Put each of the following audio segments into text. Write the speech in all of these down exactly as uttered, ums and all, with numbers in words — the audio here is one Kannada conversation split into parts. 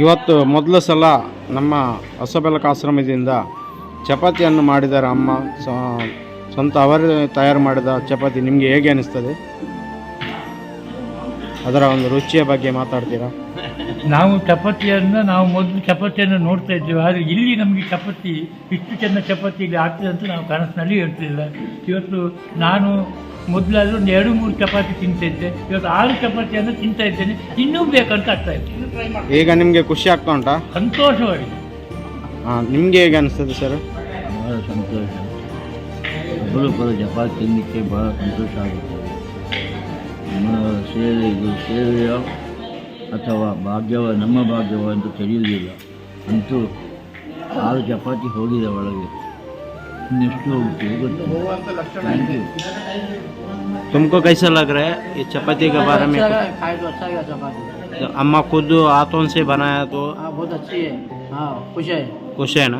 ಇವತ್ತು ಮೊದಲ ಸಲ ನಮ್ಮ ಹೊಸಬೆಳಕು ಆಶ್ರಮದಿಂದ ಚಪಾತಿಯನ್ನು ಮಾಡಿದ್ದಾರೆ ಅಮ್ಮ. ಸ್ವಂತ ಅವರೇ ತಯಾರು ಮಾಡಿದ ಚಪಾತಿ ನಿಮಗೆ ಹೇಗೆ ಅನಿಸ್ತದೆ? ಅದರ ಒಂದು ರುಚಿಯ ಬಗ್ಗೆ ಮಾತಾಡ್ತೀರಾ? ನಾವು ಚಪಾತಿಯನ್ನು ನಾವು ಮೊದಲು ಚಪಾತಿಯನ್ನು ನೋಡ್ತಾ ಇದ್ದೇವೆ, ಆದರೆ ಇಲ್ಲಿ ನಮಗೆ ಚಪಾತಿ ಇಷ್ಟು ಚೆಂದ ಚಪಾತಿ ಇಲ್ಲಿ ಆಗ್ತದೆ ಅಂತ ನಾವು ಕನಸಿನಲ್ಲಿ ಹೇಳ್ತಿಲ್ಲ. ಇವತ್ತು ನಾನು ಮೊದಲಾದರೂ ಒಂದು ಎರಡು ಮೂರು ಚಪಾತಿ ತಿಂತಾ ಇದ್ದೆ, ಇವತ್ತು ಆರು ಚಪಾತಿಯನ್ನು ತಿಂತಾ ಇದ್ದೇನೆ. ಇನ್ನೂ ಬೇಕಂತ ಆಗ್ತಾ ಇದೆ. ಈಗ ನಿಮಗೆ ಖುಷಿ ಆಗ್ತಾ ಉಂಟಾ? ಸಂತೋಷವಾಗಿದೆ. ಹಾಂ, ನಿಮಗೆ ಹೇಗೆ ಅನಿಸ್ತದೆ ಸರ್? ಭಾಳ ಸಂತೋಷ. ಅಪರೂಪದ ಚಪಾತಿ ತಿನ್ನಲಿಕ್ಕೆ ಭಾಳ ಸಂತೋಷ ಆಗುತ್ತದೆ. ನಮ್ಮ ಸೇವೆ ಇದು ಸೇವೆಯೋ ಅಥವಾ ಭಾಗ್ಯವ ನಮ್ಮ ಭಾಗ್ಯವ ಅಂತ ತಿಳಿಯುವುದಿಲ್ಲ. ಅಂತೂ ಆರು ಚಪಾತಿ ಹೋಗಿದೆ ಒಳಗೆ, ಇನ್ನೆಷ್ಟು ಹೋಗುತ್ತೆ ಗೊತ್ತು. Thank you. तुमको कैसा लग रहा है ये चपाती के बारे में? खाए तो अच्छा गया चपाती। तो अम्मा खुद हाथों से बनाया तो हाँ बहुत अच्छी है। हाँ खुश है। खुश है ना?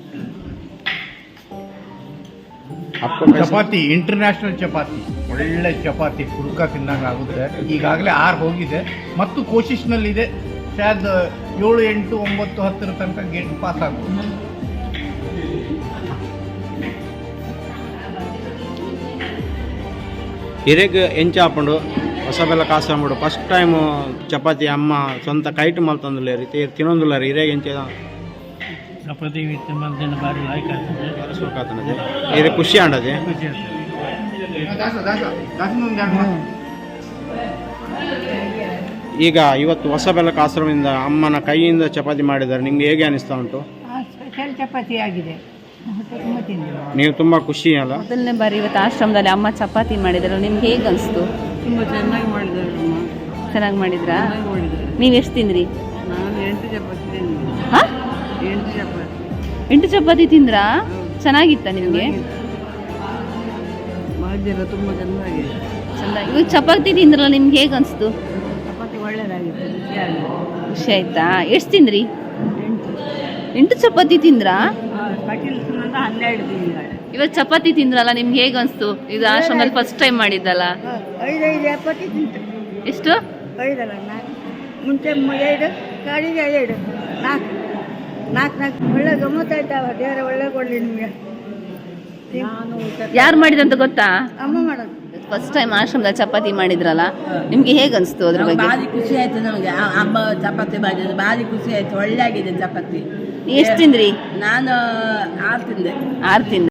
आपको ಚಪಾತಿ ಇಂಟರ್ನ್ಯಾಷನಲ್ ಚಪಾತಿ, ಒಳ್ಳೆ ಚಪಾತಿ, ಪುರ್ಕ ತಿನ್ನಂಗೆ ಆಗುತ್ತೆ. ಈಗಾಗಲೇ ಆರು ಹೋಗಿದೆ ಮತ್ತು ಕೋಶಿಶ್ನಲ್ಲಿದೆ. ಶಾಯದ್ ಏಳು ಎಂಟು ಒಂಬತ್ತು ಹತ್ತರ ತನಕ ಗೇಟ್ ಪಾಸ್ ಆಗ್ಬೋದು. ಹಿರೇಗ ಎಂಚ ಹಾಕೊಂಡು ಹೊಸಬೆಳಕು ಆಶ್ರಮ ಫಸ್ಟ್ ಟೈಮ್ ಚಪಾತಿ ಅಮ್ಮ ಸ್ವಂತ ಕೈಟ್ ಮಲ್ತಂದಿಲ್ಲ ರೀತಿ ತಿನ್ನೊಂದಿಲ್ಲ ರೀ. ಹಿರೇಗ ಎಂಚ ಚಪಾತಿ ತಿಂಬಂತ ಭಾರಿ ಲಾಯ್ಕ್ ಆಗ್ತದೆ. ಸುಖಾತನದೆ ಹಿರೇ ಖುಷಿ ಆಂಡದೆ. ಖುಷಿ ಆಗ್ತದೆ. ಈಗ ಇವತ್ತು ಹೊಸಬೆಳಕು ಆಶ್ರಮದಿಂದ ಅಮ್ಮನ ಕೈಯಿಂದ ಚಪಾತಿ ಮಾಡಿದ್ದಾರೆ, ನಿಮ್ಗೆ ಹೇಗೆ ಅನಿಸ್ತಾ ಉಂಟು? ಸ್ಪೆಷಲ್ ಚಪಾತಿ ಆಗಿದೆ, ತುಂಬ ತಿಂದಿಲ್ಲ. ನೀವು ತುಂಬ ಖುಷಿ ಅಲ್ಲ? ಮೊದಲನೇ ಬಾರಿ ಇವತ್ತು ಆಶ್ರಮದಲ್ಲಿ ಅಮ್ಮ ಚಪಾತಿ ಮಾಡಿದ್ರು, ನಿಮ್ಗೆ ಹೇಗೆ ಅನಿಸ್ತು? ತುಂಬ ಚೆನ್ನಾಗಿ ಮಾಡಿದ್ದಾರೆ ಅಮ್ಮ, ಚೆನ್ನಾಗಿ ಮಾಡಿದ್ರಾ? ಚೆನ್ನಾಗಿ ಮಾಡಿದ್ದಾರೆ. ನೀವು ಎಷ್ಟು ತಿಂದ್ರಿ? ನಾನು ಎಂಟು ಚಪಾತಿ ತಿಂದಿದ್ದೆ. ಹಾಂ, ಎಂಟು ಚಪಾತಿ. ಎಂಟು ಚಪಾತಿ ತಿಂದ್ರಾ? ಚೆನ್ನಾಗಿತ್ತ ನಿಮಗೆ? ಭಾಗ್ಯ ಎಲ್ಲ ತುಂಬ ಚೆನ್ನಾಗಿದೆ. ಚೆನ್ನಾಗಿ. ಇವಾಗ ಚಪಾತಿ ತಿಂದ್ರಲ್ಲ, ನಿಮ್ಗೆ ಹೇಗೆ ಅನಿಸ್ತು? ಚಪಾತಿ ಒಳ್ಳೆಯದಾಗಿತ್ತು, ರುಚಿಯಾಗಿದೆ. ಖುಷಿ ಆಯ್ತಾ? ಎಷ್ಟು ತಿಂದ್ರಿ? ಎಂಟು. ಎಂಟು ಚಪಾತಿ ತಿಂದ್ರಾ? ಕಟೀಲ್ ಸುಮ್ಮನೆ ಹನ್ನೆರಡು ತಿಂಗಳು. ಇವತ್ತು ಚಪಾತಿ ತಿಂದ್ರಲ್ಲ, ನಿಮ್ಗೆ ಹೇಗೆ ಅನಿಸ್ತು? ಇದು ಆಶ್ರಮದಲ್ಲಿ ಫಸ್ಟ್ ಟೈಮ್ ಮಾಡಿದ್ದಲ್ಲ. ಐದೈದು ಚಪಾತಿ ತಿಂತು. ಎಷ್ಟು? ಐದಲ್ಲ ನಾಲ್ಕು. ಮುಂಚೆ ಎರಡು, ಕಾಡಿಗೆ ಎರಡು, ನಾಲ್ಕು ನಾಲ್ಕು ನಾಲ್ಕು. ಒಳ್ಳೆ ಗಮ್ಮತ್ತಾಯ್ತಾವ. ದೇವರ ಒಳ್ಳೆ ಕೊಡಲಿ ನಿಮಗೆ. ನಾನು ಯಾರು ಮಾಡಿದಂತ ಗೊತ್ತಾ? ಅಮ್ಮ ಮಾಡೋದು. ಫಸ್ಟ್ ಟೈಮ್ ಆಶ್ರಮದಲ್ಲಿ ಚಪಾತಿ ಮಾಡಿದ್ರಲ್ಲ, ನಿಮ್ಗೆ ಹೇಗೆ ಅನಿಸ್ತು ಅದ್ರ ಬಗ್ಗೆ? ಭಾರಿ ಖುಷಿ ಆಯ್ತು ನಮಗೆ. ಅಮ್ಮ ಚಪಾತಿ ಮಾಡಿದ್ರು ಭಾರಿ ಖುಷಿ ಆಯ್ತು. ಒಳ್ಳೆ ಆಗಿದೆ ಚಪಾತಿ. ಎಷ್ಟು ತಿಂದ್ರಿ? ನಾನು ಆರು ತಿಂದೆ. ಆರು ತಿಂದ್ರಿ.